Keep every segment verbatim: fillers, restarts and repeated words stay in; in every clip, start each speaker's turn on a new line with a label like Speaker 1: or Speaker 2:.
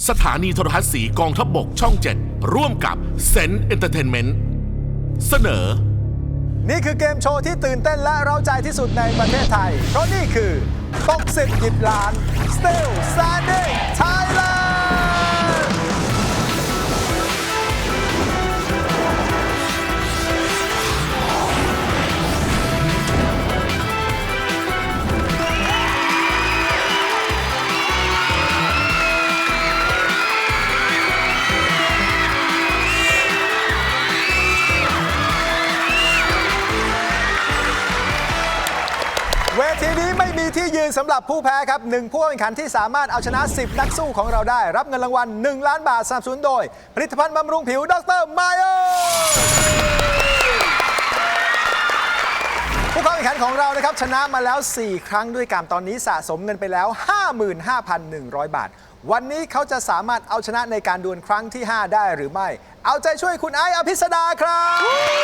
Speaker 1: สถานีโทรทัศน์สีกองทัพบกช่องเจ็ดร่วมกับเซนเอนเตอร์เทนเมนต์เสนอ
Speaker 2: นี่คือเกมโชว์ที่ตื่นเต้นและเร้าใจที่สุดในประเทศไทยเพราะนี่คือตกสิบหยิบล้าน Still Standing Thailand เวทีนี้ไม่มีที่ยืนสำหรับผู้แพ้ครับหนึ่งผู้แข่งขันที่สามารถเอาชนะสิบนักสู้ของเราได้รับเงินรางวัลหนึ่งล้านบาทสนับสนุนโดยผลิตภัณฑ์บำรุงผิวดรไมโอผู้เข้าแข่งขันของเรานะครับชนะมาแล้วสี่ครั้งด้วยกันตอนนี้สะสมเงินไปแล้ว ห้าหมื่นห้าพันหนึ่งร้อย บาทวันนี้เขาจะสามารถเอาชนะในการดวลครั้งที่ห้าได้หรือไม่เอาใจช่วยคุณไอซ์อภิสดาครับ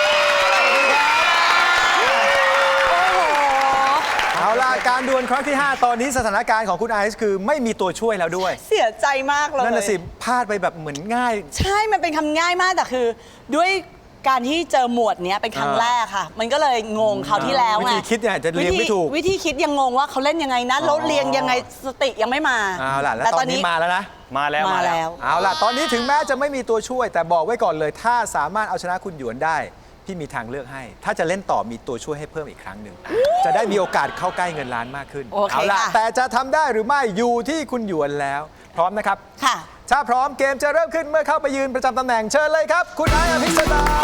Speaker 2: เอาล่ะการดวลครั้งที่ห้าตอนนี้สถานการณ์ของคุณไอซ์คือไม่มีตัวช่วยแล้วด้วย
Speaker 3: เสียใจมากเลย
Speaker 2: นั่นน่ะสิพลาดไปแบบเหมือนง่าย
Speaker 3: ใช่มันเป็นคำง่ายมากแต่คือด้วยการที่เจอหมวดเนี้ยเป็นครั้งแรกค่ะมันก็เลยงงเขาที่แล้วไง
Speaker 2: วิธีคิดเนี่ยจะเรียงไม่ถูก
Speaker 3: วิธีคิดยังงงว่าเขาเล่นยังไงนะแล้วเรียงยังไงสติยังไม่มา
Speaker 2: เอาล่ะแล้วตอนนี้มาแล้วนะ
Speaker 4: มาแล้ว
Speaker 3: มาแล้ว
Speaker 2: เอาล่ะตอนนี้ถึงแม้จะไม่มีตัวช่วยแต่บอกไว้ก่อนเลยถ้าสามารถเอาชนะคุณหยวนได้พี่มีทางเลือกให้ถ้าจะเล่นต่อมีตัวช่วยให้เพิ่มอีกครั้งหนึ่งจะได้มีโอกาสเข้าใกล้เงินล้านมากขึ้นเอาล่ะแต่จะทำได้หรือไม่อยู่ที่คุณหยวนแล้วพร้อมนะครับ
Speaker 3: ค่ะ
Speaker 2: ถ้าพร้อมเกมจะเริ่มขึ้นเมื่อเข้าไปยืนประจำตำแหน่งเชิญเลยครับคุณไอซ์อภิสดา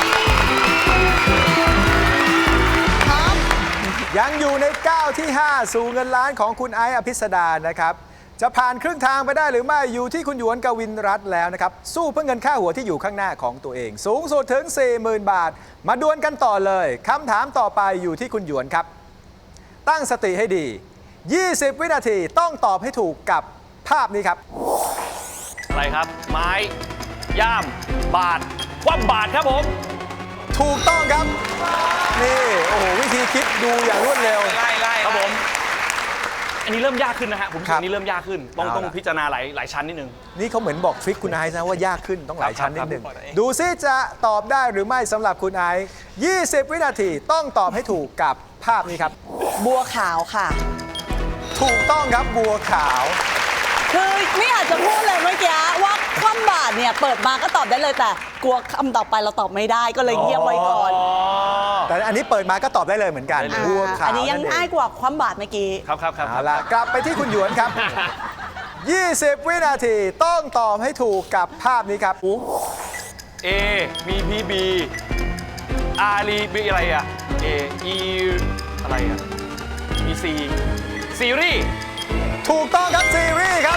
Speaker 2: ยังอยู่ในก้าวที่ห้าสู่เงินล้านของคุณไอซ์อภิสดานะครับจะผ่านครึ่งทางไปได้หรือไม่อยู่ที่คุณหยวนกวินรัตน์แล้วนะครับสู้เพื่อเงินค่าหัวที่อยู่ข้างหน้าของตัวเองสูงสุดถึง สี่หมื่น บาทมาดวลกันต่อเลยคำถามต่อไปอยู่ที่คุณหยวนครับตั้งสติให้ดียี่สิบวินาทีต้องตอบให้ถูกกับภาพนี้ครับ
Speaker 4: อะไรครับไม้ย่ามบาทคว่ำบาทครับผม
Speaker 2: ถูกต้องครับนี่โอ้โหวิธีคิดดูอย่างรวดเร็ว
Speaker 4: ไล่ไล่ครับผมอันนี้เริ่มยากขึ้นนะฮะผมอันนี้เริ่มยากขึ้นต้องต้องพิจารณาหลายหลายชั้นนิดนึง
Speaker 2: นี่เขาเหมือนบอกทริคคุณไอซ์นะว่ายากขึ้นต้องหลายชั้นนิดนึงดูซิจะตอบได้หรือไม่สำหรับคุณไอซ์ยี่สิบวินาทีต้องตอบให้ถูกกับภาพนี้ครับ
Speaker 3: บัวขาวค่ะ
Speaker 2: ถูกต้องครับบัวขาว
Speaker 3: คือไม่อยากจะพูดเลยเมื่อกี้ว่าคว่ำบาตรเนี่ยเปิดมาก็ตอบได้เลยแต่กลัวคำต่อไปเราตอบไม่ได้ก็เลยเงียบไว้ก่อน
Speaker 2: แต่อันนี้เปิดมาก็ตอบได้เลยเหมือนกันบัวขาว
Speaker 3: อันนี้ยังง่ายกว่าคว่ำบาตรเมื่อกี้
Speaker 4: ครับครับครับ
Speaker 2: เอาล่ะกลับไปที่คุณหยวนครับยี่สิบวินาทีต้องตอบให้ถูกกับภาพนี้ครับ
Speaker 4: A มีพีบีอารีบีอะไรอ่ะ A E อะไรอ่ะมี C ซีรีส์
Speaker 2: ถูกต้องครับซีรีส์ครับ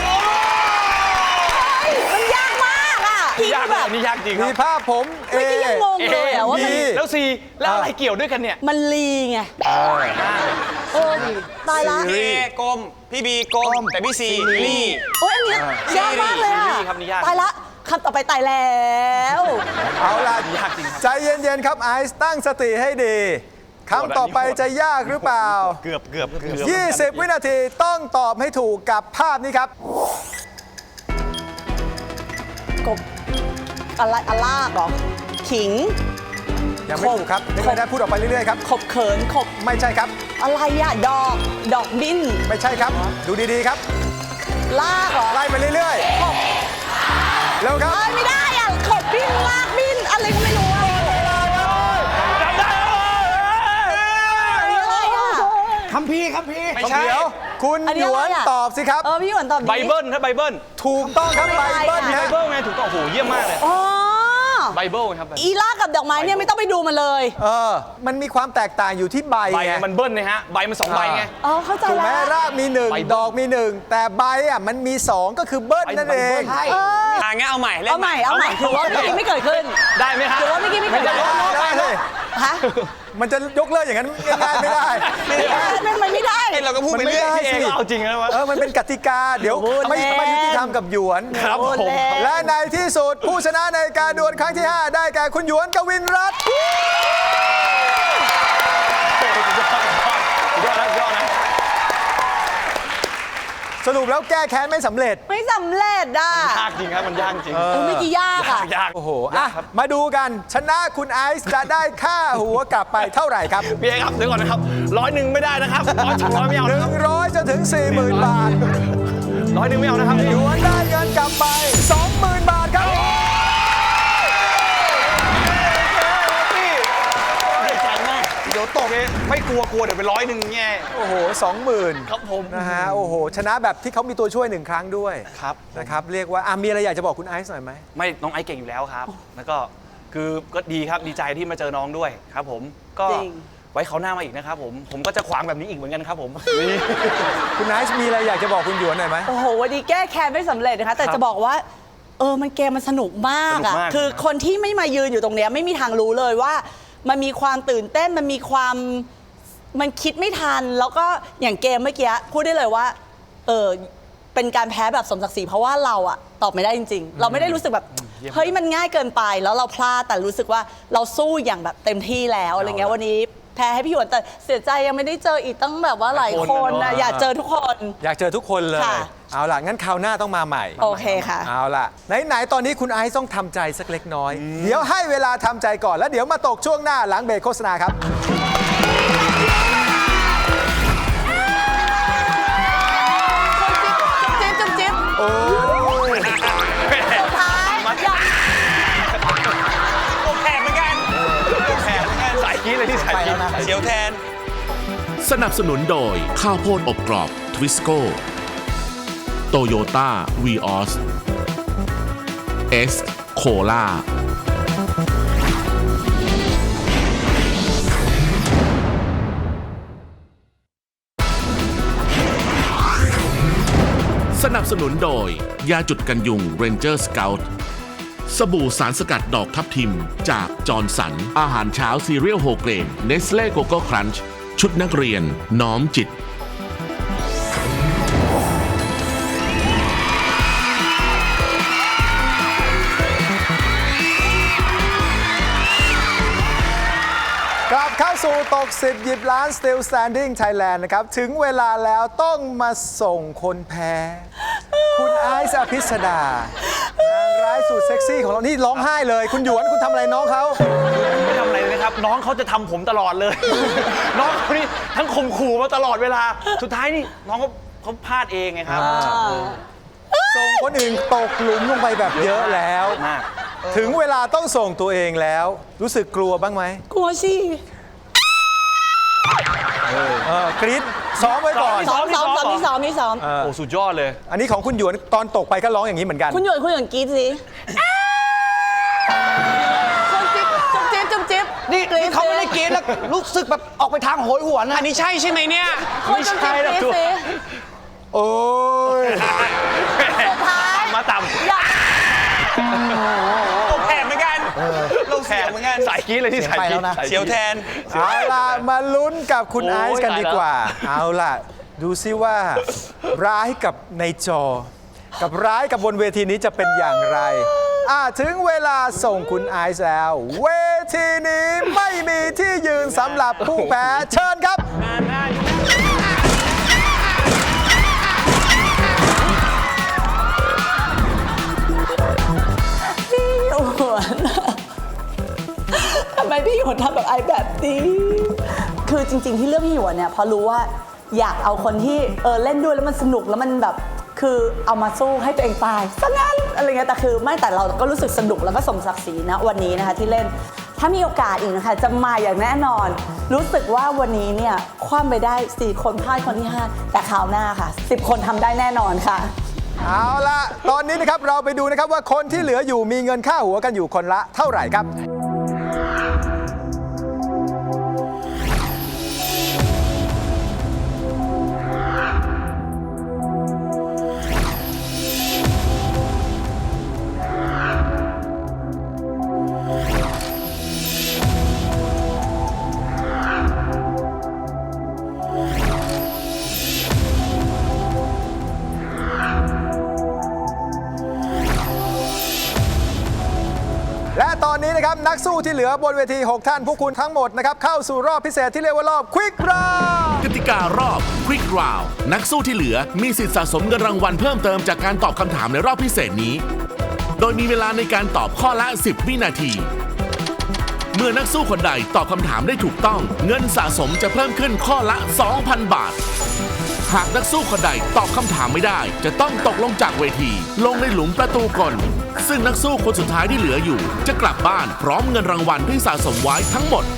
Speaker 3: มันยากมากอ่ะ
Speaker 4: ยากแบบนี้ยากจริง
Speaker 2: มีภาพผม
Speaker 3: เอยังงงเลยอ่ะว่ามัน
Speaker 4: แล้ว C แล้วอะไรเกี่ยวด้วยกันเนี่ย
Speaker 3: มันลีไงโอ้ตายละ
Speaker 4: A กลมพี่บีกลมแต่พี่ C ลี่
Speaker 3: โอ้ยอันนี้ยากมากเลยอ่ะตายละคำต่อไปตายแล้ว
Speaker 2: เอาล่ะใจเย็นๆครับไอซ์ตั้งสติให้ดีคำต่อไปจะยากหรือเปล่า
Speaker 4: เกือบเกือบเกือบ
Speaker 2: ยี่สิบวินาทีต้องตอบให้ถูกกับภาพนี้ครับ
Speaker 3: กบอะไรอะลากหรอขิง
Speaker 2: ยังไม่ถูกครับไม่ได้พูดออกไปเรื่อยๆครับ
Speaker 3: ขบเขินขบ
Speaker 2: ไม่ใช่ครับ
Speaker 3: อะไรอะดอกดอกบิ้น
Speaker 2: ไม่ใช่ครับดูดีๆครับ
Speaker 3: ลากหรอ
Speaker 2: ไล่ไปเรื่อยๆขบแล้วครับ
Speaker 3: ไม่ได้อะขบบิ้นลากบิ้นอะไรก็ไม่รู้
Speaker 2: คัมภีร์คัมภีร์ไม่ใช่เดี๋ยวคุณหยวนตอบสิครับ
Speaker 3: เออพี่หยวนตอบ
Speaker 4: ไบเบิลถ้าไบเบิล
Speaker 2: ถูกต้องครับไบเบิล
Speaker 4: ไบเบิลไงถูกต้องโอ้โหเยี่ยมมากเลย
Speaker 3: อ๋อ
Speaker 4: ไบเบิลครับ
Speaker 3: อีล่ากับดอกไม้เนี่ยไม่ต้องไปดูมันเลย
Speaker 2: เออมันมีความแตกต่างอยู่ที่ใบ
Speaker 4: ใบมันเบิ้ลนะฮะใบมันสองใบไง
Speaker 3: อ๋อเข้าใจแล้ว
Speaker 2: ถูกไหมรากมีหนึ่งดอกมีหนึ่งแต่ใบอ่ะมันมีสองก็คือเบิ้ลนั่นเอง
Speaker 4: อ่างั้นเอาใหม่
Speaker 3: เอาใหม่เอาใหม่ถือว่าเมื่อกี้ไม่เกิดขึ้น
Speaker 4: ได้ไหมครับ
Speaker 3: ถือว่าเมื่อกี้ไม่เกิดขึ้น
Speaker 2: ได้เลย
Speaker 3: ฮะ
Speaker 2: มันจะยกเลิกอย่างนั้นง่ายๆไม่ได้
Speaker 3: ไม่ไม่ไม่ได้
Speaker 4: เราก็พูดไปเรื่อยพี่เองเอาจริงนะวะ
Speaker 2: เออมันเป็นกติกาเดี๋ยวไม่ไม่ยุติธรรมกับหยวน
Speaker 4: ครับผม
Speaker 2: และในที่สุดผู้ชนะในการดวลครั้งที่ห้าได้แก่คุณหยวนกวินรัตน์
Speaker 4: ยอดนะยอดนะ
Speaker 2: สรุปแล้วแก้แค้นไม่สำเร็จ
Speaker 3: ไม่สำเร็จอ่ะ
Speaker 4: ท่าครับมันยากจริง
Speaker 3: เออเมื่อกี้ยากอ่ะ
Speaker 4: ยาก
Speaker 2: โอ้โหอ่ะมาดูกันชนะคุณไอซ์จะได้ค่าหัวกลับไปเท่าไหร่ครับ
Speaker 4: พี่เอครับเดี๋ยวก่อนนะครับร้อยหนึ่งไม่ได้นะครับร้อยสองร้อยไม่เอานะครับ
Speaker 2: หนึ่งร้อยจนถึง สี่หมื่น บาท
Speaker 4: ร้อยหนึ่งไม่เอานะครับ
Speaker 2: หยวนได้เงินกลับไป สองหมื่น บาทครับ
Speaker 4: ดีใจมากเดี๋ยวตกไม่กลัวกลัวเดี๋ยวไปร้อยหนึ่งแง่
Speaker 2: โอ้โห สองหมื่น
Speaker 4: ครับผม
Speaker 2: นะฮะโอ้โห ชนะแบบที่เขามีตัวช่วยหนึ่งครั้งด้วย
Speaker 4: ครับ
Speaker 2: นะครับเรียกว่าอ่ะมีอะไรอยากจะบอกคุณไอซ์หน่อยไหม
Speaker 4: ไม่น้องไอซ์เก่งอยู่แล้วครับ แล้วก็คือก็ดีครับดีใจที่มาเจอน้องด้วยครับผมก็
Speaker 3: จริง
Speaker 4: ไว้เขาวหน้ามาอีกนะครับผมผมก็จะขวางแบบนี้อีกเหมือนกันครับผมนี่
Speaker 2: คุณไอซ์มีอะไรอยากจะบอกคุณหยวนหน่อยไหม
Speaker 3: โอ้โหวันนี้แก้แค้นไม่สำเร็จนะคะ แต่
Speaker 4: ครับ
Speaker 3: จะบอกว่า เออมันเกมมันสนุกมาก
Speaker 4: สนุ
Speaker 3: อ่ะ
Speaker 4: กมาก
Speaker 3: คือคนที่ไม่มายืนอยู่ตรงเนี้ยไม่มีทางรู้เลยว่า มันมีความตื่นเต้นมันมีความมันคิดไม่ทัน แล้วก็อย่างเกมเมื่อกี้พูดได้เลยว่า เออเป็นการแพ้แบบสมศักดิ์ศรีเพราะว่าเราอะตอบไม่ได้จริง ๆ เราไม่ได้รู้สึกแบบเฮ้ยมันง่ายเกินไปแล้วเราพลาดแต่รู้สึกว่าเราสู้อย่างแบบเต็มที่แล้วอะไรเงี้ยวันนี้แพ้ให้พี่หยวนแต่เสียใจยังไม่ได้เจออีกตั้งแบบว่าหลายคนนะอยากเจอทุกคน
Speaker 2: อยากเจอทุกคนเลย
Speaker 3: ค่ะ
Speaker 2: เอาล่ะ งั้นคราวหน้าต้องมาใหม่
Speaker 3: โอเคค่ะ
Speaker 2: เอาล่ะ ไหน ๆ ตอนนี้คุณไอซ์ต้องทำใจสักเล็กน้อย เดี๋ยวให้เวลาทำใจก่อน แล้วเดี๋ยวมาตกช่วงหน้าหลังเบรกโฆษณาครับ
Speaker 3: จิ๊บจิ๊บจิ๊บ
Speaker 2: โอ้ย
Speaker 3: สุดท้ายอยาก
Speaker 4: โอแผลเหมือนกันโอแผลเหมือนกันสายกี้เลยที่สายกี้เสียวแทน
Speaker 1: สนับสนุนโดยข้าวโพดอบกรอบทวิสโก้โตโยต้าวีออสเอสโคล่าสนับสนุนโดย ยาจุดกันยุง Ranger Scout สบู่สารสกัดดอกทับทิมจากจอร์นสัน อาหารเช้าซีเรียลโฮเกรนเนสเล่โกโก้ครันช์ชุดนักเรียน น้อมจิต
Speaker 2: กลับเข้าสู่ตกสิบหยิบล้าน Still Standing Thailand นะครับ ถึงเวลาแล้วต้องมาส่งคนแพ้ คุณไอซ์อภิสดานางร้ายสุดเซ็กซี่ของเรา นี่ร้องไห้เลย คุณหยวนคุณทำอะไรน้องเขา
Speaker 4: ไม่ทำอะไรเลยนะครับ น้องเขาจะทำผมตลอดเลย น้องเขานี่ทั้งข่มขู่มาตลอดเวลา สุดท้ายนี่น้องเขาเขาพลาดเองไงครับ
Speaker 2: ส่งคนอื่นตกหลุมลงไปแบบเยอะแล้ว
Speaker 4: มาก
Speaker 2: ถึงเวลาต้องส่งตัวเองแล้ว รู้สึกกลัวบ้างไหม
Speaker 3: กลัวสิ
Speaker 2: เออกรี๊ดซ้อมไว้ก่อน
Speaker 3: ซ้อมซ้อมซ้อมนี่ซ้อมนี่ซ้อม
Speaker 4: โอ้สุดยอดเลย
Speaker 2: อันนี้ของคุณหยวนตอนตกไปก็ร้องอย่างนี้เหมือนกัน
Speaker 3: คุณหยวนคุณหยวนกรี๊ดสิคนจิ๊บจุ๊บจิ๊บจุ๊บจิ๊บ
Speaker 5: นี่
Speaker 3: กรี๊
Speaker 5: นี่เขาไม่ได้กรี๊ดแล้วรู้สึกแบบออกไปทางโหยหวนนะอันนี้ใช่ใช่ไหมเนี่ย
Speaker 3: คนจุ๊บจิ๊บกรี๊ดสิ
Speaker 2: โอ้ย
Speaker 3: สุดท้าย
Speaker 4: มาต่
Speaker 3: อยาก
Speaker 4: ำโอ้แผลเหมือนกันเราแผลเหมือนกันสายกี้เลยที่สายกี้เสียวแทน
Speaker 2: เอาล่ะ มาลุ้นกับคุณ
Speaker 4: โอ้
Speaker 2: ไอยซ์กันดีกว่า เอาล่ะ ดูซิว่า ร้ายกับในจอ กับร้ายกับบนเวทีนี้จะเป็นอย่างไร อ่าถึงเวลาส่งคุณไอซ์แล้ว เวทีนี้ไม่มีที่ยืนสำหรับผู้แพ้เชิญครับ
Speaker 3: พี่หยวนทำไมพี่หยวนทำแบบไอแบบนี้คือจริง ๆ ที่เลือกพี่หยวนเนี่ยเพราะรู้ว่าอยากเอาคนที่เออเล่นด้วยแล้วมันสนุกแล้วมันแบบคือเอามาสู้ให้ตัวเองตายซะงั้นอะไรเงี้ยแต่คือไม่แต่เราก็รู้สึกสนุกแล้วก็สมศักดิ์ศรีนะวันนี้นะคะที่เล่นถ้ามีโอกาสอีกนะคะจะมาอย่างแน่นอน รู้สึกว่าวันนี้เนี่ยคว่ำไปได้สี่คนพลาดคนที่ห้าแต่คราวหน้าค่ะสิบคนทำได้แน่นอนค่ะ
Speaker 2: เอาล่ะ ตอนนี้นะครับเราไปดูนะครับว่าคนที่เหลืออยู่มีเงินค่าหัวกันอยู่คนละเท่าไหร่ครับ และตอนนี้นะครับนักสู้ที่เหลือบนเวที หก ท่านพวกคุณทั้งหมดนะครับเข้าสู่รอบพิเศษที่เรียกว่ารอบ Quick Round
Speaker 1: กติการอบ Quick Round นักสู้ที่เหลือมีสิทธิสะสมเงินรางวัลเพิ่มเติมจากการตอบคำถามในรอบพิเศษนี้ โดยมีเวลาในการตอบข้อละ สิบ วินาที เมื่อนักสู้คนใดตอบคำถามได้ถูกต้อง เงินสะสมจะเพิ่มขึ้นข้อละ สองพัน บาท หากนักสู้คนใดตอบคำถามไม่ได้ จะต้องตกลงจากเวที ลงในหลุมประตูกลซึ่งนักสู้คนสุดท้ายที่เหลืออยู่ จะกลับบ้านพร้อมเงินรางวัลที่สะสมไว้ทั้งหมด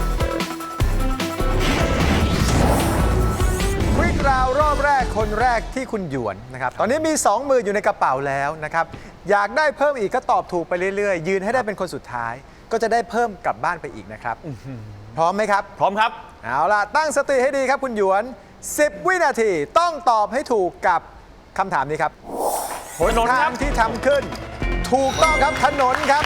Speaker 2: Quick Round รอบแรกคนแรกที่คุณหยวนนะครับตอนนี้มีสองหมื่นอยู่ในกระเป๋าแล้วนะครับอยากได้เพิ่มอีกก็ตอบถูกไปเรื่อยๆ ยืนให้ได้เป็นคนสุดท้าย ก็จะได้เพิ่มกลับบ้านไปอีกนะครับพร้อมไหมครับ
Speaker 4: พร้อมครับ
Speaker 2: เอาล่ะ ตั้งสติให้ดีครับคุณหยวน สิบ วินาทีต้องตอบให้ถูกกับคำถามนี้ครับหน
Speaker 4: ถนนค
Speaker 2: ทา
Speaker 4: รั
Speaker 2: ง
Speaker 4: บ
Speaker 2: ที่ทำขึ้น ถูกต้องครับถนนครับ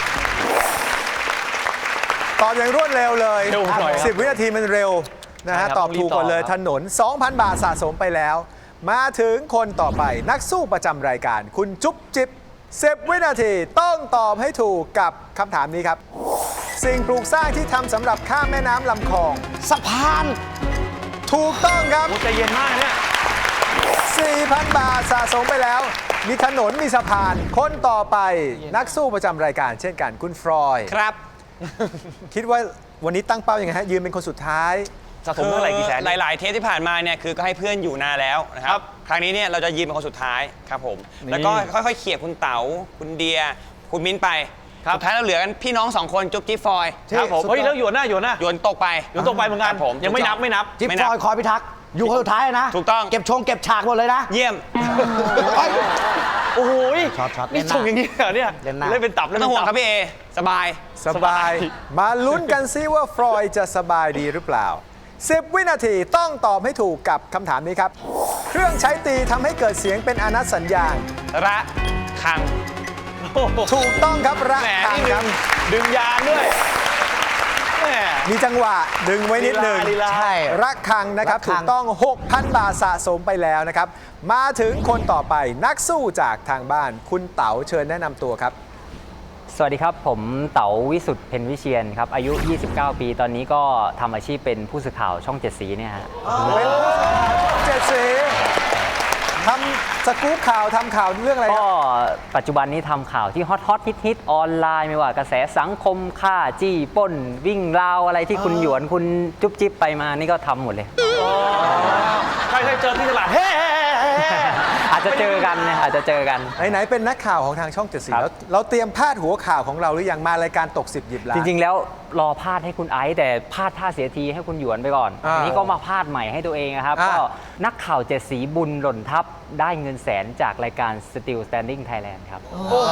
Speaker 2: ตอบอย่างรวดเร็วเลย
Speaker 4: เร็วหน่อยครับ
Speaker 2: สิบ วินาทีมันเร็วนะฮะ
Speaker 4: ใช่ครับ
Speaker 2: ตอบถูกกว่าเลย
Speaker 4: ต้องรีบตอบครับ
Speaker 2: ถนน สองพัน บาทสะสมไปแล้ว มาถึงคนต่อไปนักสู้ประจำรายการ คุณจุ๊บจิ๊บสิบ วินาทีต้องตอบให้ถูกกับคำถามนี้ครับ สิ่งปลูกสร้างที่ทำสำหรับข้ามแม่น้ำลำคลอง
Speaker 5: สะพาน
Speaker 2: ถูกต้องครับ
Speaker 4: โอ้ใจเย็นมากเนี่ย
Speaker 2: สี่พัน บาทสะสมไปแล้ว มีถนนมีสะพาน คนต่อไปนักสู้ประจำรายการเช่นกันคุณฟรอยด์
Speaker 5: ครับ
Speaker 2: คิดว่าวันนี้ตั้งเป้ายังไงฮะ ยืนเป็นคนสุดท้าย
Speaker 4: สะสมเท่าไหร่กี่แสน
Speaker 6: หลาย ๆ เทปที่ผ่านมาเนี่ยคือก็ให้เพื่อนอยู่นานแล้วนะค
Speaker 4: ครั
Speaker 6: รับ
Speaker 4: บ
Speaker 6: ครั้งนี้เนี่ยเราจะยืนเป็นคนสุดท้ายครับผม แล้วก็ค่อย ๆ เขี่ยคุณเต๋า คุณเดีย คุณมิ้นไป สุดท้ายเราเหลือกันพี่น้องสองคนจุ๊บจิ๊บฟอย
Speaker 4: ครับผม
Speaker 2: สุดยอด
Speaker 4: เฮ้ยแล้วหยวนหน้าหยวนหน้า
Speaker 6: โยนตกไป
Speaker 4: หยวนตกไปเหมือนกัน
Speaker 6: ครับผม
Speaker 4: ยังไม่นับไม่นับ
Speaker 5: จิ๊บ
Speaker 6: ไม่
Speaker 5: ฟ
Speaker 6: นับ
Speaker 5: อยคอยพิทักษ์อยู่คนสุดท้ายนะ
Speaker 6: ถูกต้อง
Speaker 5: เก็บชงเก็บฉากหมดเลยนะ
Speaker 6: เยี่ยม
Speaker 4: โอ้โหย
Speaker 5: ช็อตช็อต
Speaker 4: นี่
Speaker 5: เล่นหน้า
Speaker 4: ส่งอย่างนี้เหรอเนี่ย
Speaker 5: เล่นหน้า
Speaker 4: เล่นเป็นตับ
Speaker 6: ไม่
Speaker 4: เล่น
Speaker 6: ต้อง
Speaker 4: เป็น
Speaker 6: ห่วง
Speaker 4: ตับ
Speaker 6: ครับพี่เอ สบาย
Speaker 2: สบาย มาลุ้นกันซิว่าฟรอยด์จะสบายดีหรือเปล่า สิบ วินาทีต้องตอบให้ถูกกับคำถามนี้ครับ เครื่องใช้ตีทำให้เกิดเสียงเป็นอนัตสัญญาณ
Speaker 6: ระคัง
Speaker 4: โอ้โห
Speaker 2: ถูกต้องครับระ
Speaker 4: แหม
Speaker 2: ฆัง
Speaker 4: นี่
Speaker 2: ค
Speaker 4: ดึ
Speaker 2: รับ
Speaker 4: งดึงยานด้วยแหม
Speaker 2: มีจังหวะดึงไว้นิดหนึ่ง
Speaker 4: ลีลา
Speaker 5: ใช่
Speaker 2: ระฆังนะครับ
Speaker 5: ระฆัง
Speaker 2: ถูกต้อง หกพัน บาทสะสมไปแล้วนะครับ มาถึงคนต่อไปนักสู้จากทางบ้าน คุณเต๋าเชิญแนะนำตัวครับ
Speaker 7: สวัสดีครับ ผมเต๋าวิสุทธิ์เพ็ญวิเชียนครับ อายุ ยี่สิบเก้า ปี ตอนนี้ก็ทำอาชีพเป็นผู้สื่อข่าวช่องเจ็ดสีเนี่ยฮะ
Speaker 2: เป็นผู้สื่อข่าวช่องเจ็ดสีทำสกู๊ปข่าวทำข่าวเรื่องอะไรค
Speaker 7: ก็
Speaker 2: รับ
Speaker 7: ปัจจุบันนี้ทำข่าวที่ฮอตฮอตฮิตฮิตออนไลน์ไม่ว่ากระแสสังคมฆ่าจี้ปล้น วิ่งราวอะไรที่คุณหยวนคุณจุ๊บจิ๊บไปมานี่ก็ทำหมดเลย
Speaker 4: ใครเคยเจอที่ตลาดเฮ้
Speaker 7: อาจจะเจอกันนะอาจจะเจอกัน
Speaker 2: ไหนๆเป็นนักข่าวของทางช่องเจ็ดสี
Speaker 7: ครับ
Speaker 2: แล้วเราเตรียมพาดหัวข่าวของเราหรือยังมารายการตกสิบหยิบล้าน
Speaker 7: จริง ๆ แล้วรอพาดให้คุณไอซ์แต่พาดท่าเสียทีให้คุณหยวนไปก่อน
Speaker 2: อ่า
Speaker 7: ทีนี้ก็มาพาดใหม่ให้ตัวเองนะครับ
Speaker 2: อ่า
Speaker 7: ก็นักข่าวเจ็ดสีบุญหล่นทับได้เงินแสนจากรายการ Still Standing Thailand ครับ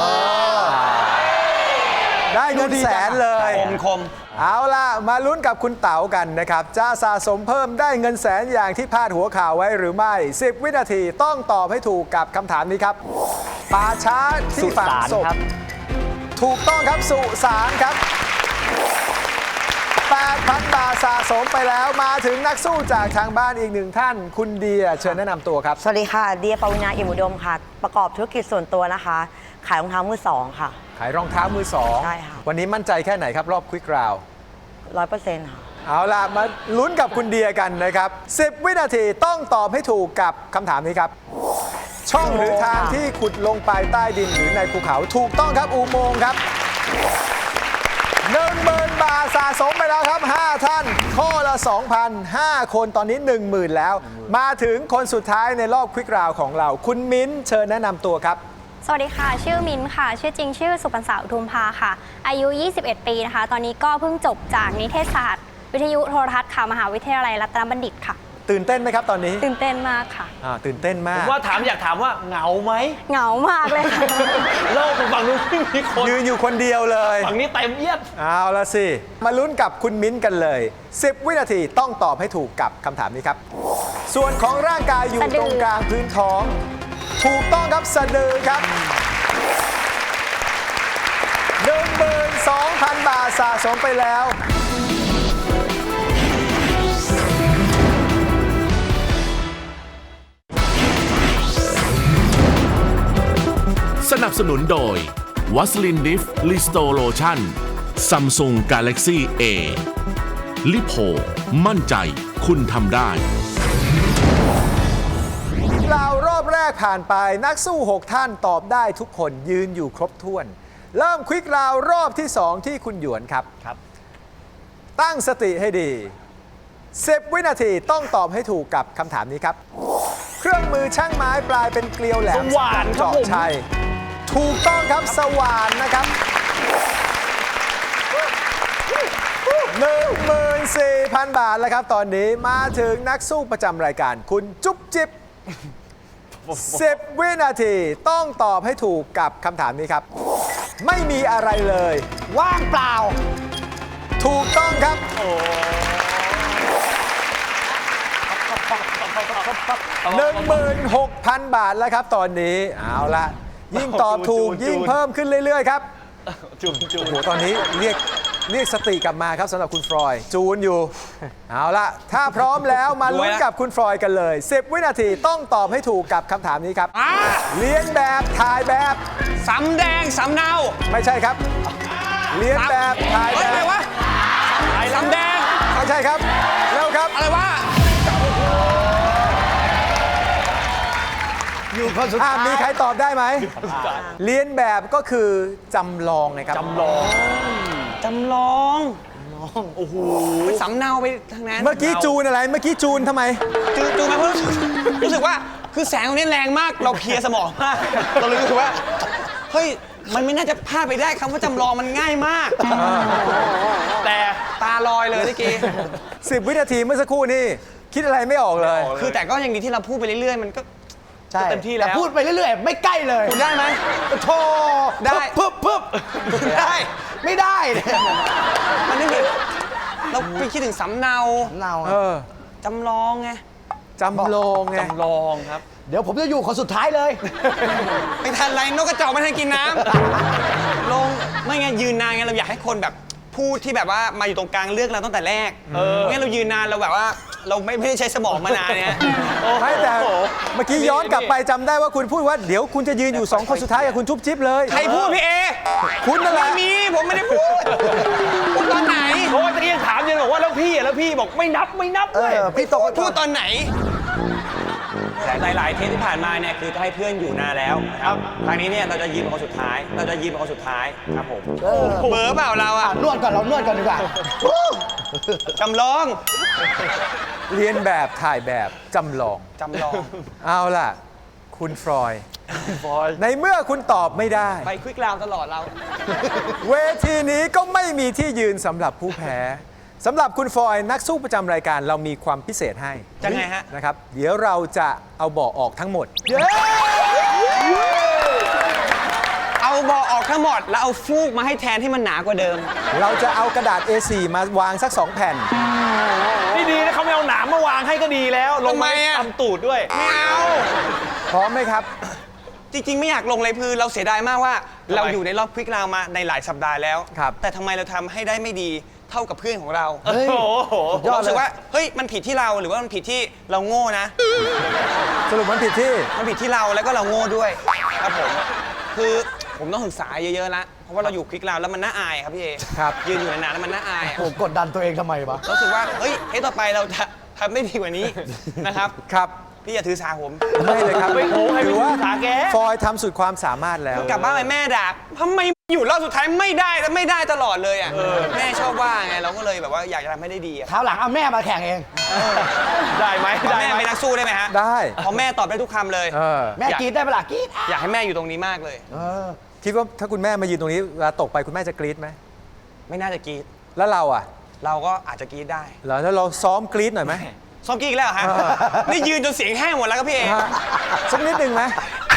Speaker 2: ได้เงินแสนเลย
Speaker 6: คมคม
Speaker 2: เอาล่ะ มาลุ้นกับคุณเต๋ากันนะครับ จะสะสมเพิ่มได้เงินแสนอย่างที่พาดหัวข่าวไว้หรือไม่ สิบ วินาทีต้องตอบให้ถูกกับคำถามนี้ครับป่าช้า
Speaker 7: สุ
Speaker 2: ที่ฝัง
Speaker 7: สาน
Speaker 2: ศพ
Speaker 7: ครับ
Speaker 2: ถูกต้องครับสุสานครับ แปดพัน บาทสะสมไปแล้วมาถึงนักสู้จากทางบ้านอีกหนึ่งท่าน คุณเดียเชิญแนะนำตัวครับ
Speaker 8: สวัสดีค่ะ เดียปวินาอิมอุดมค่ะ ประกอบธุรกิจส่วนตัวนะคะ ขายรองเท้ามือสองค่ะ
Speaker 2: ขายรองเท้ามือสอง
Speaker 8: ใช่ค่ะ
Speaker 2: วันนี้มั่นใจแค่ไหนครับรอบควิกราว
Speaker 8: ร้อยเปอร์เซ็นต์ค่ะ
Speaker 2: เอาล่ะ มาลุ้นกับคุณเดียกันนะครับ สิบ วินาทีต้องตอบให้ถูกกับคำถามนี้ครับ ช่องหรือทางที่ขุดลงไปใต้ดินหรือในภูเขาถูกต้องครับอุโมงค์ครับหนึ่งหมื่นบาทสะสมไปแล้วครับ ห้า ท่าน ข้อละ สองพัน ห้า คนตอนนี้ หนึ่งหมื่น แล้ว มาถึงคนสุดท้ายในรอบควิกราวของเรา คุณมิ้นท์เชิญแนะนำตัวครับ
Speaker 9: สวัสดีค่ะ ชื่อมินท์ค่ะ ชื่อจริงชื่อสุพรรณสาวอุทุมภาค่ะ อายุ ยี่สิบเอ็ด ปีนะคะ ตอนนี้ก็เพิ่งจบจากนิเทศศาสตร์ วิทยุโทรทัศน์ค่ะ มหาวิทยาลัยรัตนบัณฑิตค่ะ
Speaker 2: ตื่นเต้นไหมครับตอนนี้
Speaker 9: ตื่นเต้นมากค่ะ
Speaker 2: อ่าตื่นเต้นมา
Speaker 4: ผ
Speaker 2: ก
Speaker 4: มว่าถามอยากถามว่าเหงาไหม
Speaker 9: เหงามากเลยค่ะ
Speaker 4: โลกฝั่งนู้นไม่มีคน
Speaker 2: ยืนอยู่คนเดียวเลย
Speaker 4: ฝั่งนี้เต็มเอียด
Speaker 2: เอาละสิ มาลุ้นกับคุณมิ้นท์กันเลย สิบ วินาทีต้องตอบให้ถูกกับคำถามนี้ครับ ส่วนของร่างกายอยู่
Speaker 9: สะดือ
Speaker 2: ตรงกลางพื้นท้อง ถูกต้องครับสะดือครับ หนึ่งหมื่นสองพัน บาทสะสมไปแล้ว
Speaker 1: สนับสนุนโดยวัสลินดิฟลิสโตโลชั่น Samsung Galaxy A ลิโพมั่นใจคุณทำได้
Speaker 2: ราวรอบแรกผ่านไปนักสู้ หก ท่านตอบได้ทุกคนยืนอยู่ครบถ้วน เริ่มควิกราวรอบที่ สอง ที่คุณหยวนครับครับ ตั้งสติให้ดี สิบ วินาทีต้องตอบให้ถูกกับคำถามนี้ครับ เครื่องมือช่างไม้ปลายเป็นเกลียวแหลม
Speaker 4: สว่านครับ
Speaker 2: เจาะ
Speaker 4: ผม
Speaker 2: ชัยถูกต้องครับสว่านนะครับ หนึ่งหมื่นสี่พัน บาทแล้วครับ ตอนนี้มาถึงนักสู้ประจำรายการคุณจุ๊บจิ๊บ สิบ วินาทีต้องตอบให้ถูกกับคำถามนี้ครับ ไม่มีอะไรเลย
Speaker 5: ว่างเปล่า
Speaker 2: ถูกต้องครับ หนึ่งหมื่นหกพัน บาทแล้วครับ ตอนนี้เอาละยิ่งตอบถูก
Speaker 4: จูนจูน
Speaker 2: ยิ่งเพิ่มขึ้นเรื่อย ๆ ครับ
Speaker 4: จุ่มจุ่ม
Speaker 2: โอ้โหตอนนี้เรียกเรียกสติกลับมาครับสำหรับคุณฟรอยด์จูนอยู่ เอาละถ้าพร้อมแล้วมาลุ้นกับคุณฟรอยด์กันเลย สิบ วินาทีต้องตอบให้ถูกกับคำถามนี้ครับ
Speaker 6: อ่า
Speaker 2: เรียนแบบถ่ายแบบ
Speaker 6: สำแดงสำเนา
Speaker 2: ไม่ใช่ครับ เรียนแบบถ่าย
Speaker 6: เฮ้
Speaker 2: แบ
Speaker 6: ยอะไร
Speaker 2: บ
Speaker 6: วะสำแดง
Speaker 2: ไม่ใช่ครับเร็วครับ
Speaker 6: อะไรวะ
Speaker 5: อยู่คนสุด
Speaker 2: อ่า
Speaker 5: ท้าย
Speaker 2: มีใครตอบได้ไหม เรียนแบบก็คือจำลองไงครับ
Speaker 4: จำลอง
Speaker 6: จำลอง โอ้โหสำเนาไปทางนั้น
Speaker 2: เมื่อกี้จูนอะไร เมื่อกี้จูนทำไม
Speaker 6: จูจูมาเพราะรู้สึกรู้สึกว่าคือแสงตรงนี้แรงมากเราเพลียสมองมาก เราเลยรู้สึกว่า เฮ้ย มันไม่น่าจะพลาดไปได้คำว่าจำลองมันง่ายมาก แต่ตาลอยเลยเมื่อกี้
Speaker 2: สิบ วินาทีเมื่อสักครู่นี่คิดอะไรไม่ออกเลย
Speaker 6: คือแต่ก็ยังดีที่เราพูดไปเรื่อยๆ มันก็
Speaker 5: ใช่
Speaker 6: เต็มที่แล้ว
Speaker 5: ต่พูดไปเรื่อยๆ ไม่ใกล้เลย
Speaker 6: คุณได้ไหม
Speaker 5: โธ่
Speaker 6: ได้
Speaker 5: ปึ๊บปึ๊บปึ๊บ
Speaker 6: ได้
Speaker 5: ไม่ได้เนี่ย
Speaker 6: มันไม่คือเราไปคิดถึงสำเนา
Speaker 5: เรา
Speaker 2: เออ
Speaker 6: จำลองไง
Speaker 2: จำลองไง
Speaker 4: จำลองครับ
Speaker 5: เดี๋ยวผมจะอยู่คนสุดท้ายเลย
Speaker 6: ไม่ทันไรนกกระจอกไม่ทันกินน้ำ ลงไม่ไงยืนนานไงเราอยากให้คนแบบพูดที่แบบว่ามาอยู่ตรงกลางเลือกเราตั้งแต่แรกไม่งั้นเรายืนนานเราแบบว่าเราไม่ไม่ได้ใช้สมองมานานเนี่ย
Speaker 2: ไม่แต่เมื่อกี้ย้อนกลับไปจำได้ว่าคุณพูดว่าเดี๋ยวคุณจะยืนอยู่สองคนสุดท้ายกับคุณชุบจิ๊บเลย
Speaker 6: ใครพูดพี่เอ
Speaker 2: คุณนั่นแหละ
Speaker 6: ไม่มีผมไม่ได้พูดพูดตอนไหน
Speaker 4: โอ้ยตะกี้ยังถามอยู่บอกว่าแล้วพี่อ่ะแล้วพี่บอกไม่นับไม่นับ
Speaker 5: เอ
Speaker 4: เลย
Speaker 5: อ พี่ตก
Speaker 6: พูดตอนไหนหลาย ๆ เทปที่ผ่านมาเนี่ยคือจะให้เพื่อนอยู่นานแล้วนะครับครั้งนี้เนี่ยเราจะยืนเป็นคนสุดท้าย เราจะยืนเป็นคนสุดท้ายครับผมเบอร์เปล่าเราอ่ะ
Speaker 5: นวดก่อนเรานวดก่อนดีกว่า
Speaker 6: จำลอง
Speaker 2: เรียนแบบถ่ายแบบจำลอง
Speaker 6: จำลอง
Speaker 2: เอาล่ะ คุณฟรอยด์ในเมื่อคุณตอบไม่ได้
Speaker 6: ไปควิกราวตลอดเรา
Speaker 2: เวทีนี้ก็ไม่มีที่ยืนสำหรับผู้แพ้สำหรับคุณฟรอยด์นักสู้ประจำรายการเรามีความพิเศษให้
Speaker 6: ยังไงฮะ
Speaker 2: นะครับ เดี๋ยวเราจะเอาเบาะออกทั้งหมด
Speaker 6: เอาบอออกทั้งหมด แล้วเอาฟูกมาให้แทนที่มันหนากว่าเดิม
Speaker 2: เราจะเอากระดาษ เอ โฟร์ มาวางสักสองแผ่น
Speaker 4: นี่ดีนะเขาไม่เอาหนามมาวางให้ก็ดีแล้ว ลง
Speaker 6: ทำไม
Speaker 4: มา
Speaker 6: อะ
Speaker 4: ทำตูดด้วย
Speaker 6: ไม่เอา
Speaker 2: พร้อมไหมครับ
Speaker 6: จริง ๆ ไม่อยากลงเลยคือเราเสียดายมากว่า เราอยู่ในรอบควิกราวมาในหลายสัปดาห์แล้ว
Speaker 2: ครับ
Speaker 6: แต่ทำไมเราทำให้ได้ไม่ดีเท่ากับเพื่อนของเรา
Speaker 4: โอ้โห
Speaker 6: เรารู้สึกว่าเฮ้ยมันผิดที่เราหรือว่ามันผิดที่เราโง่นะ
Speaker 2: สรุปมันผิดที่
Speaker 6: มันผิดที่เราแล้วก็เราโง่ด้วยครับผมคือผมต้องศึกษาเยอะๆละเพราะว่าเราอยู่คลิกราวแล้วมันน่าอายครับพี่เอ
Speaker 2: ครับ
Speaker 6: ยืนอยู่นานๆแล้วมันน่าอายอะ
Speaker 5: ผมกดดันตัวเองทำไมวะ
Speaker 6: รู้สึกว่าเฮ้ยเฮ้ยต่อไปเราจะทำได้ดีกว่านี้นะครับ
Speaker 2: ครับ
Speaker 6: พี่อย่าถือสาผม
Speaker 2: ไม่เลยครับ
Speaker 4: ไม่โอ้ให้
Speaker 2: ถือว่า
Speaker 4: ไปถือสาแก
Speaker 2: ฟรอยด์ทำสุดความสามารถแล้ว
Speaker 6: กลับบ้านไปแม่ด่าทำไมอยู่รอบสุดท้ายไม่ได้แล้วไม่ได้ตลอดเลยอ่ะแม่ชอบว่าไงเราก็เลยแบบว่าอยากจะทำให้ได้ดีอ่ะ
Speaker 5: คราวหลังเอาแม่มาแข่งเอง
Speaker 4: ได้ไหม
Speaker 6: พอ
Speaker 4: ได้
Speaker 6: แม่
Speaker 4: ไหม
Speaker 6: เป็นนักสู้ได้ไหมฮะ
Speaker 2: ได้
Speaker 6: พอแม่ตอบได้ทุกคำเลย
Speaker 2: เออ
Speaker 5: แม่กรีดได้ปะล่ะกรีด
Speaker 6: อยากให้แม่อยู่ตรงนี้มากเลย
Speaker 5: เออ
Speaker 2: คิดว่าถ้าคุณแม่มายืนตรงนี้เวลาตกไปคุณแม่จะกรี๊ดไหม
Speaker 6: ไม่น่าจะกรีด
Speaker 2: แล้วเราอ่ะ
Speaker 6: เราก็อาจจะกรีดได้
Speaker 2: เหรอแล้วเราซ้อมกรี๊ดหน่อยไหม
Speaker 6: ซ้อมกรีดอีกแล้วเหรอฮะ
Speaker 2: เออ
Speaker 6: นี่ยืนจนเสียงแห้งหมดแล้วครับพี่เอ
Speaker 2: ฮะสักนิดหนึ่งไหม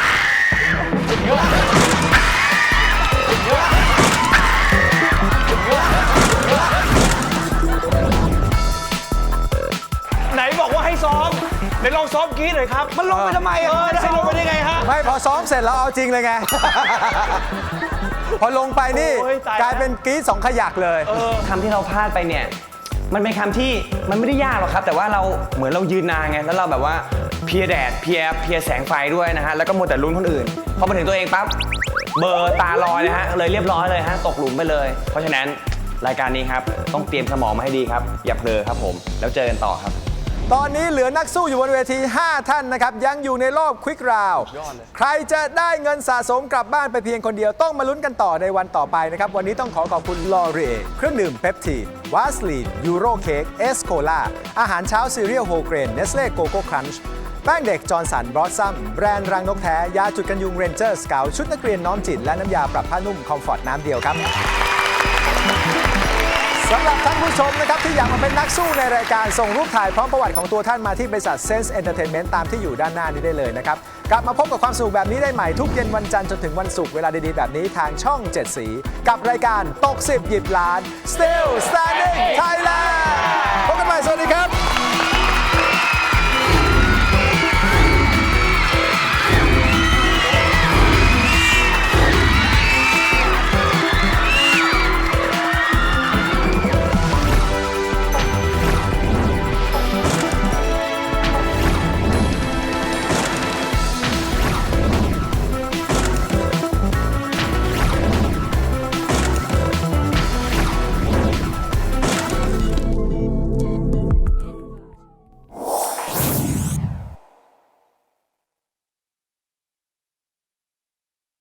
Speaker 4: ไหนบอกว่าให้ซ้อมไหนลองซ้อมกรี๊ดหน่อยครับ
Speaker 5: มันลงไปทำไม
Speaker 4: เอ
Speaker 5: อ่ะ
Speaker 4: อได้ลงไปได้ไงฮะ
Speaker 2: ไม่พอซ้อมเสร็จแล้วเอาจริงเลยไง พอลงไปนี่
Speaker 4: โอ้ยตายแล้ว
Speaker 2: กลายเป็นกรี๊ดสองขยักเลย
Speaker 6: คำที่เราพลาดไปเนี่ย มันเป็นคำที่มันไม่ได้ยากหรอกครับ แต่ว่าเราเหมือนเรายืนนานไง แล้วเราแบบว่าเพลียแดดเพลียเพลียแสงไฟด้วยนะฮะ แล้วก็มัวแต่ลุ้นคนอื่น พอมาถึงตัวเองปั๊บเบอร์ตาลอยนะฮะเลยเรียบร้อยเลยฮะตกหลุมไปเลย เพราะฉะนั้นรายการนี้ครับต้องเตรียมสมองมาให้ดีครับอย่าเพลอครับผมแล้วเจอกันต่อครับ
Speaker 2: ตอนนี้เหลือนักสู้อยู่บนเวที ห้า ท่านนะครับ ยังอยู่ในรอบควิกราวด์ใครจะได้เงินสะสมกลับบ้านไปเพียงคนเดียวต้องมาลุ้นกันต่อในวันต่อไปนะครับ วันนี้ต้องขอขอบคุณลอเรเครื่องดื่มเปปทีนวาสลีนยูโรเค้กเอสโคลาอาหารเช้าซีเรียลโฮเกรนเนสเล่โกโก้ครันช์แป้งเด็กจอร์นสันบรอสซัมแบรนด์รังนกแท้ยาจุดกันยุงเรนเจอร์สเกลชุดนักเรียนน้อมจิตและน้ำยาปรับผ้านุ่มคอมฟอร์ตน้ำเดียวครับสำหรับท่านผู้ชมนะครับที่อยากมาเป็นนักสู้ในรายการส่งรูปถ่ายพร้อมประวัติของตัวท่านมาที่บริษัท Sense Entertainment ตามที่อยู่ด้านหน้านี้ได้เลยนะครับกลับมาพบกับความสนุกแบบนี้ได้ใหม่ทุกเย็นวันจันทร์จนถึงวันศุกร์เวลาดีๆแบบนี้ทางช่องเจ็ดสีกับรายการตกสิบหยิบล้าน Still Standing Thailand พบกันใหม่สวัสดีครับ